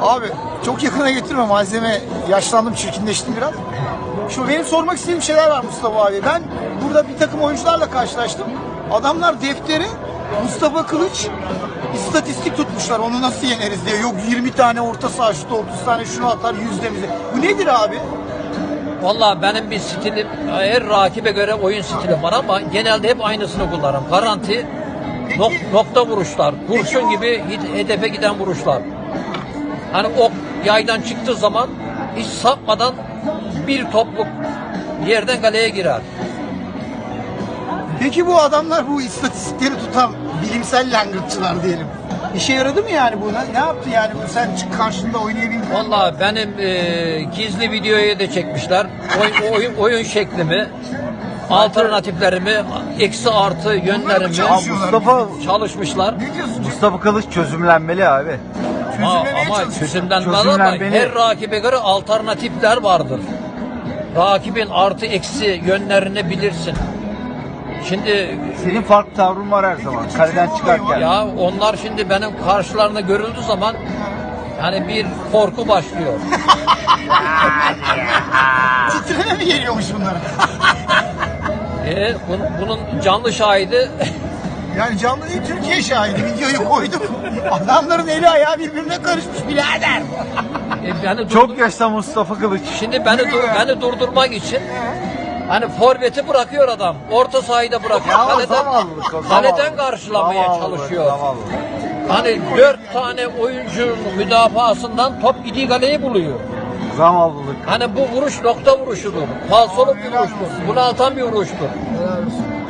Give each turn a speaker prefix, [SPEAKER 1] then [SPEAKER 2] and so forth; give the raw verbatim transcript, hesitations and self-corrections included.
[SPEAKER 1] Abi çok yakına getirme, malzeme yaşlandım, çirkinleştim biraz. Şu benim sormak istediğim şeyler var Mustafa abi. Ben burada bir takım oyuncularla karşılaştım. Adamlar deftere Mustafa Kılıç istatistik tutmuşlar. Onu nasıl yeneriz diye. Yok yirmi tane orta saha şutu, otuz tane şunu atar, yüz demize. Bu nedir abi?
[SPEAKER 2] Vallahi benim bir stilim, her rakibe göre oyun stilim var ama genelde hep aynısını kullanırım. Garanti, nok nokta vuruşlar, kurşun gibi hedefe giden vuruşlar. Hani ok yaydan çıktığı zaman hiç sapmadan bir topluk yerden kaleye girer.
[SPEAKER 1] Peki bu adamlar, bu istatistikleri tutan bilimsel langırtçılar diyelim, İşe yaradı mı yani bu? Ne, ne yaptı yani bu, sen çık karşında oynayabildin?
[SPEAKER 2] Vallahi benim e, gizli videoyu da çekmişler. Oy, oyun, oyun şeklimi, alternatiflerimi, eksi artı yönlerimi
[SPEAKER 3] Mustafa
[SPEAKER 2] çalışmışlar.
[SPEAKER 1] Ne diyorsun?
[SPEAKER 3] Mustafa Kılıç çözümlenmeli abi.
[SPEAKER 2] Ama,
[SPEAKER 1] Çözümlemeye
[SPEAKER 2] ama
[SPEAKER 1] çalışıyor.
[SPEAKER 2] çözümlenmez ama
[SPEAKER 3] Çözümlenmeli.
[SPEAKER 2] her rakibe göre alternatifler vardır. Rakibin artı eksi yönlerini bilirsin. Şimdi
[SPEAKER 3] Senin farklı tavrın var her zaman. Kaleden çıkarken.
[SPEAKER 2] ya onlar şimdi benim karşılarında görüldüğü zaman yani bir korku başlıyor.
[SPEAKER 1] Titreme mi geliyormuş bunlara?
[SPEAKER 2] E, bunun, bunun canlı şahidi
[SPEAKER 1] Yani canlı değil, Türkiye şahidi, videoyu koyduk. Adamların eli ayağı birbirine karışmış birader.
[SPEAKER 2] e, beni durdur-
[SPEAKER 3] Çok yaşta Mustafa Kılıç.
[SPEAKER 2] şimdi beni dur- beni durdurmak için hani forveti bırakıyor adam. Orta sahayı da bırakıyor.
[SPEAKER 3] Ya o
[SPEAKER 2] Kaleden,
[SPEAKER 3] zavallılık o,
[SPEAKER 2] kaleden
[SPEAKER 3] zavallılık.
[SPEAKER 2] karşılamaya
[SPEAKER 3] Zavallılık,
[SPEAKER 2] çalışıyor.
[SPEAKER 3] zavallılık.
[SPEAKER 2] Hani dört tane oyuncunun müdafaasından top gidiği kaleyi buluyor.
[SPEAKER 3] Zavallılık.
[SPEAKER 2] Hani bu vuruş nokta vuruşudur. Falsolu bir vuruştur. Bunaltan bir vuruştur.
[SPEAKER 1] Helal olsun.